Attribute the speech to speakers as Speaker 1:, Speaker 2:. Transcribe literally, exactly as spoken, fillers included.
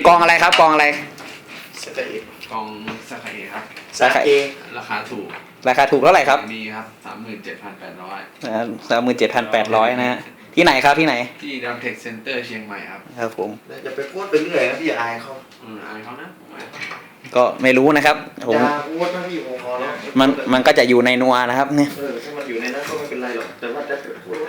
Speaker 1: องอะไรครับกองอะไร
Speaker 2: สกายกองสกายครับ
Speaker 1: สาขาเอ
Speaker 2: ราคาถูก
Speaker 1: ราคาถูกเท่าไหร่ครับ
Speaker 2: มีครับสามหมื่นเจ็ดพันแปดร้อย
Speaker 1: สามหมื่นเจ็ดพันแปดร้อยนะฮะที่ไหนครับที่ไหน
Speaker 2: ที่ดัมเทคเซ็นเตอร์เชียงใหม่ครับ
Speaker 1: ครับผม
Speaker 3: อย่าไปพูดไปเรื่อยนะพี่อายเขา
Speaker 2: อืมอายเขานะ
Speaker 1: ก็ไม่รู้นะครับผม
Speaker 3: อย่าพูดนะพี่ผมขอแล้ว
Speaker 1: มันมันก็จะอยู่ในนัวนะครับเนี่ย
Speaker 3: เออถ้ามันอยู่ในนั้นก็ไม่เป็นไรหรอกแต่ว่าถ้าเกิดพูด